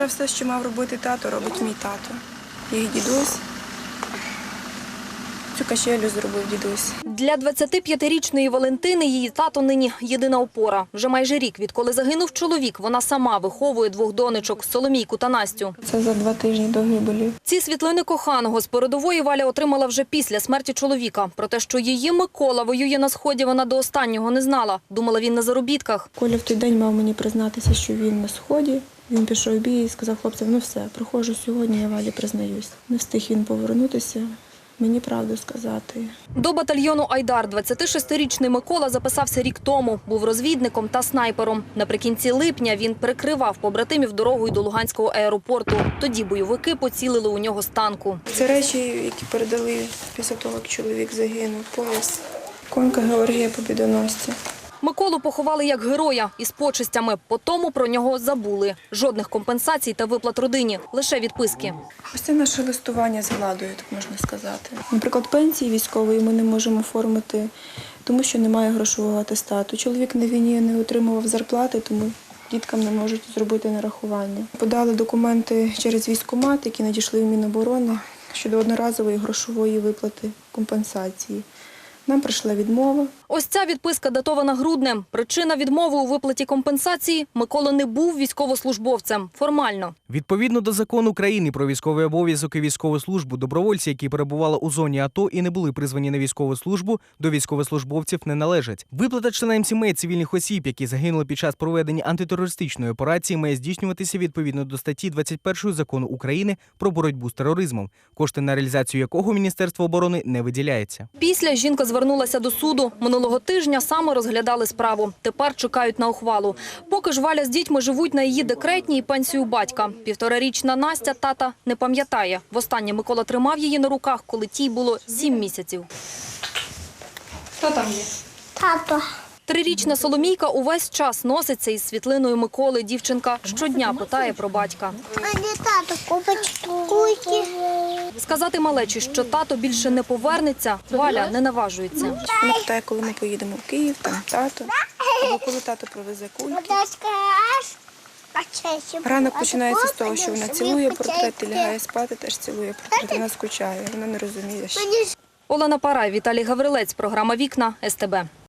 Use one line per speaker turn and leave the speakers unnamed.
Все, що мав робити тато, робить мій тато. Їх дідусь. Цю качелю зробив дідусь.
Для 25-річної Валентини її тато нині єдина опора. Вже майже рік, відколи загинув чоловік, вона сама виховує двох донечок – Соломійку та Настю.
Це за 2 тижні до гибелі.
Ці світлини коханого з передової Валя отримала вже після смерті чоловіка. Про те, що її Микола воює на Сході, вона до останнього не знала. Думала, він на заробітках.
Коля в той день мав мені признатися, що він на Сході. Він пішов в бій і сказав хлопцям, ну все, приходжу сьогодні, я Валі признаюсь. Не встиг він повернутися. Мені правду сказати.
До батальйону «Айдар» 26-річний Микола записався рік тому. Був розвідником та снайпером. Наприкінці липня він прикривав побратимів дорогою до Луганського аеропорту. Тоді бойовики поцілили у нього з танку.
Це речі, які передали після того, як чоловік загинув. Пояс. Конька Георгія Побідоносця.
Миколу поховали як героя із почестями. Потому про нього забули. Жодних компенсацій та виплат родині. Лише відписки.
Ось це наше листування з владою, так можна сказати. Наприклад, пенсії військової ми не можемо оформити, тому що немає грошового атестату. Чоловік на війні не отримував зарплати, тому діткам не можуть зробити нарахування. Подали документи через військкомат, які надійшли в Міноборони щодо одноразової грошової виплати компенсації. Нам прийшла відмова.
Ось ця відписка датована груднем. Причина відмови у виплаті компенсації – Микола не був військовослужбовцем. Формально.
Відповідно до закону України про військовий обов'язок і військову службу, добровольці, які перебували у зоні АТО і не були призвані на військову службу, до військовослужбовців не належать. Виплата членам сімей цивільних осіб, які загинули під час проведення антитерористичної операції, має здійснюватися відповідно до статті 21 Закону України про боротьбу з тероризмом, кошти на реалізацію якого Міністерство оборони не виділяється.
Після жінка звернулася до суду. Минулого тижня саме розглядали справу. Тепер чекають на ухвалу. Поки ж Валя з дітьми живуть на її декретній і пенсію батька. 1,5-річна Настя тата не пам'ятає. Востаннє Микола тримав її на руках, коли тій було 7 місяців.
Хто там є?
Тато.
3-річна Соломійка увесь час носиться із світлиною Миколи. Дівчинка щодня питає про батька.
А не тато купить кульки.
Сказати малечі, що тато більше не повернеться, Валя не наважується.
Вона питає, коли ми поїдемо в Київ, там тато. Або коли тато привезе кульки. Ранок починається з того, що вона цілує портрет і лягає спати, теж цілує портрет. Вона скучає, вона не розуміє, що.
Олена Парай, Віталій Гаврилець, програма «Вікна», СТБ.